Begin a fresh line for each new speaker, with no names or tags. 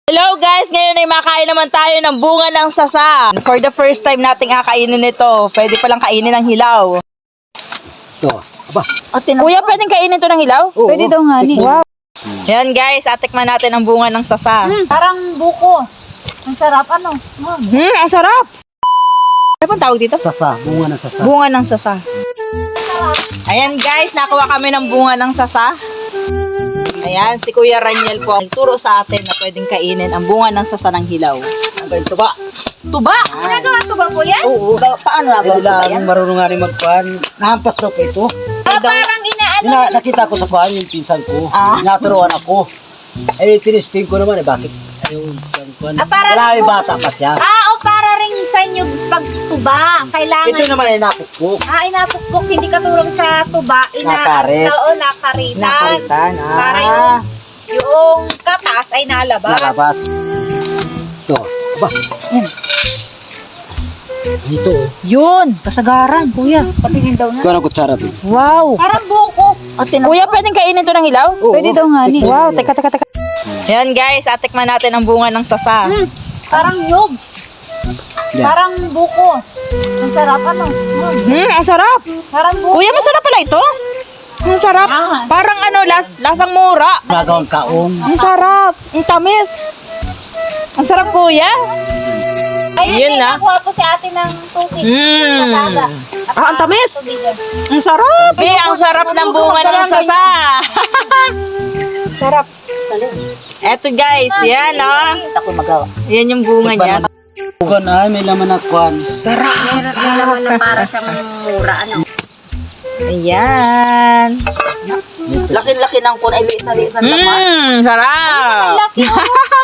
Hello guys! Ngayon ay makain naman tayo ng bunga ng sasa. For the first time nating kakainin ito. Pwede palang kainin ng hilaw.
Ito. Aba.
Kuya, pwedeng kainin ito ng hilaw?
Oo.
Pwede daw nga ni.
Wow! Yan guys, atikman natin ang bunga ng sasa.
Parang buko. Ang sarap ano?
Ang sarap! Ano bang tawag dito?
Sasa. Bunga ng sasa.
Bunga ng sasa. Ayan guys, nakuha kami ng bunga ng sasa. Ayan, si Kuya Raniel po ang nagturo sa atin na pwedeng kainin ang bunga ng sasa ng hilaw.
Ang ganito ba?
Tuba!
Nagawa to ba po yan?
Oo.
Paano na
Hindi lang marunong nga rin magkuhan. Nahampas daw po ito.
Parang inaano.
Nakita ko sa kuhan yung pinsan ko.
Ah.
Naturuan ako. Eh, tinisting ko naman bakit? Ayun, yung kuhan.
para
Wala
rin
yung bata pa siya.
O para rin sa inyo pagtuba. Kailangan.
Ito naman ay napukpok.
Inapukpok. Hindi katulong sa tuba.
Nakarit.
Oo, nakaritan.
Nakaritan.
Para yung katas ay nalabas.
Nalabas. Ito. Aba. Ito.
Yun, kasagaran, kuya.
Patingin daw na.
Kuha ng kutsara to.
Wow.
Parang buko.
Kuya, pwedeng kainin ito ng hilaw?
Oo.
Pwede daw nga ni.
Wow, teka. Yan guys, atikman natin ang bunga ng sasa.
Parang nyog.
Yan.
Parang buko. Ang sarap ano?
Ang sarap.
Parang buko.
Kuya, masarap pala ito. Ang sarap.
Ah.
Parang lasang mura.
Nagawang kaong.
Ang sarap. Ang tamis. Ang sarap, kuya.
Ayun,
Yun na.
nakuha po si ate ng tubig.
Mm.
Sa dagat. At
Ang tamis.
tubigan.
Ang sarap. Ang sarap ng bunga ng sasa.
Sarap.
Eto guys, yan
Ako magawa.
Yan yung bunga niya.
Bukan ay may laman na kuhan.
Sarap.
May laman na para siyang mura. Ano?
Ayan.
Ito.
Laki-laki ng kun ay liit na laman. Sarap.
Laki oh.